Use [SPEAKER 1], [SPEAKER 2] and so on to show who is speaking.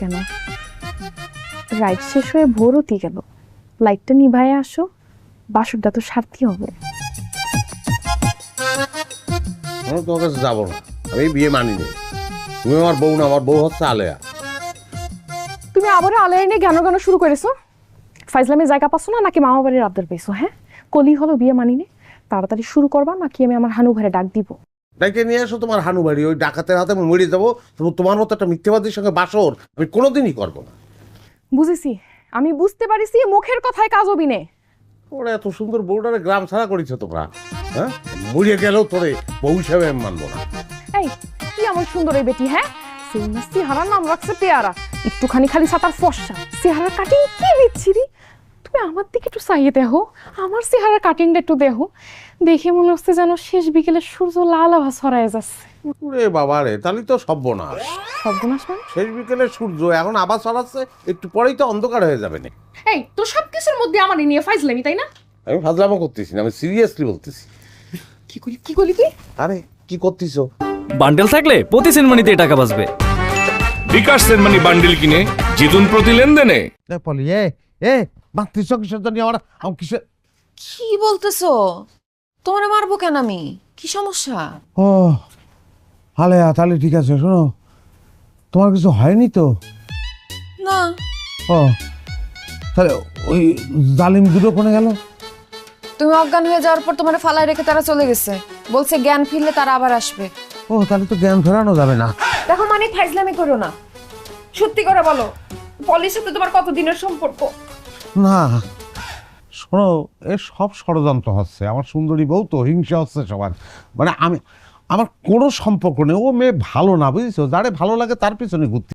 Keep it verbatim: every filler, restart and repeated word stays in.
[SPEAKER 1] কেন? রাইড শেষ হয়ে ভোর হতে গেল, লাইটটা নিভায়ে আসো, বাসরটা তো সারতে হবে।
[SPEAKER 2] আমি তোমার কাছে যাবো না, আমি বিয়ে মানি নি। তুমি আমার বউ না, আমার বউ হচ্ছে আলেয়া।
[SPEAKER 1] তুমি আবার আলায় নিয়ে জ্ঞান জ্ঞান শুরু করেছো। ফাইজলামে জায়গা পাচ্ছ না নাকি মামা বাড়ির আবদার পেয়েছো? হ্যাঁ, কলি হলো বিয়ে মানি নে, তাড়াতাড়ি শুরু করবা নাকি আমি আমার হানু ঘরে ডাক দিব?
[SPEAKER 2] ডাইকে নিয়ে এসো তোমার হানু বাড়ি, ওই ডাকাতের হাতে আমি মরে যাবো। তবু তোমার মতো একটা মিথ্যেবাদীর সঙ্গে বাসর আমি কোনোদিনই করবো না।
[SPEAKER 1] বুঝেছি, আমি বুঝতে পারিছি মুখের কথায় কাজ হবি নে।
[SPEAKER 2] ওরা এত সুন্দর বউটারে গ্রাম ছাড়া করেছো তোমরা, হ্যাঁ? মরিয়ে গেলেও তোরে বউ হিসাবে আমি মানবো না।
[SPEAKER 1] এই কি এমন সুন্দর এই বেটি, হ্যাঁ? চেহারার নাম রাখছে পেয়ারা, একটুখানি খালি সাতার ফর্সা, চেহারার কাটিং কি বিচ্ছিরি। তুমি আমার দিকে একটু চাইয়ে দেখো, আমার চেহারার কাটিংটা একটু দেখো, দেখে মনে হচ্ছে যেন শেষ বিকেলে সূর্য লাল আভা ছড়ায় যাচ্ছে।
[SPEAKER 2] রে বাবা রে, তাহলে তো সর্বনাশ।
[SPEAKER 1] সর্বনাশ মানে?
[SPEAKER 2] শেষ বিকেলে সূর্য এখন আবার ছড়াচ্ছে, একটু পরেই তো অন্ধকার হয়ে যাবে না।
[SPEAKER 1] এই তো সবকিছুর মধ্যে আমার নিয়ে ফাইজলামি, তাই না?
[SPEAKER 2] আমি ফাজলামো করতেছি না, আমি সিরিয়াসলি বলতেছি।
[SPEAKER 1] কি করি কি করলি তুই?
[SPEAKER 2] আরে কি করতেছো?
[SPEAKER 3] বান্ডেল থাকলে প্রতি সেনমানিতে টাকা বাঁচবে।
[SPEAKER 4] বিকাশ সেনমানি বান্ডেল কিনে জিতুন প্রতি লেনদেনে।
[SPEAKER 2] পলি এ এ মাতৃ কিসের জন্য আমার আমার কিসের?
[SPEAKER 5] কি বলতেছো? তোমারে মারবো কেন আমি? কি সমস্যা?
[SPEAKER 2] ও আলেয়া, তাহলে ঠিক আছে। শোনো, তোমার কিছু হয়নি তো?
[SPEAKER 5] না।
[SPEAKER 2] ও তাহলে ওই জালিম দুটো কোনে গেল?
[SPEAKER 5] তুমি অজ্ঞান হয়ে যাওয়ার পর তোমার ফালায় রেখে তারা চলে গেছে, বলছে জ্ঞান ফিরলে তারা আবার আসবে।
[SPEAKER 2] ও তাহলে তো জ্ঞান ফেরানো যাবে না।
[SPEAKER 5] দেখো মানে ফাইজলামি করো না, সত্যি করে বলো, পলির সাথে তোমার কতদিনের সম্পর্ক?
[SPEAKER 2] না শোনো, এ সব ষড়যন্ত্র হচ্ছে। আমার সুন্দরী বউ তো হিংসা হচ্ছে সবার। মানে আমি, আমার কোনো সম্পর্ক নেই। ও মেয়ে ভালো না, বুঝেছো? যারে ভালো লাগে তার পিছনে ঘুরতে